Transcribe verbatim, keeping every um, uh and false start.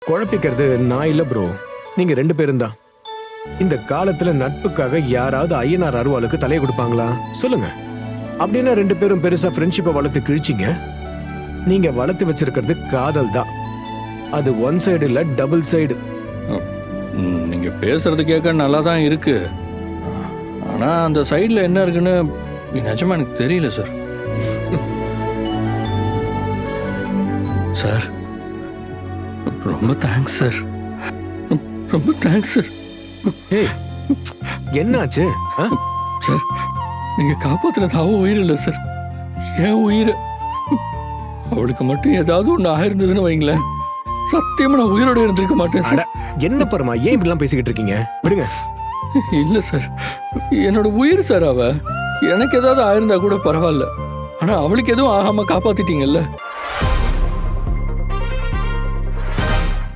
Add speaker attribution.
Speaker 1: குழப்பிக்கிறது நான் இல்ல ப்ரோ, நீங்க ரெண்டு பேரும் தான். இந்த காலத்துல நட்புக்காக யாராவது ஐயனார் அருவாளுக்கு தலையை கொடுப்பாங்களா சொல்லுங்க? அப்படின்னா ரெண்டு பேரும் பெருசா ஃப்ரெண்ட்ஷிப்பை வளர்த்து கிழிச்சிங்க. நீங்க வளர்த்து வச்சிருக்கிறது காதல் தான். அது ஒன் சைடு இல்ல, டபுள் சைடு.
Speaker 2: ம், நீங்க பேசுறது கேட்க நல்லா தான் இருக்கு. ஆனா அந்த சைடுல என்ன இருக்குன்னு நிஜமா எனக்கு தெரியல சார். சார் ரொம்ப தேங்க்ஸ் சார், ரொம்ப தேங்க்ஸ் சார்.
Speaker 1: ஏய், என்னாச்சு? ஆ?
Speaker 2: சார் நீங்க காப்பாத்தினது அவ உயிர் இல்லை சார், என் உயிர். அவளுக்கு மட்டும் ஏதாவது ஒன்று ஆயிருந்ததுன்னு வைங்களேன், சத்தியமா நான் உயிரோட இருந்திருக்க மாட்டேன்
Speaker 1: அட,
Speaker 2: சார்.
Speaker 1: என்ன பரமா ஏன் இப்படிலாம் பேசிக்கிட்டு இருக்கீங்க? விடுங்க.
Speaker 2: இல்ல சார், என்னோட உயிர் சார் அவ. எனக்கு ஏதாவது ஆயிருந்தா கூட பரவாயில்ல, ஆனா அவளுக்கு எதுவும் ஆகாம காப்பாத்திட்டீங்கல்ல.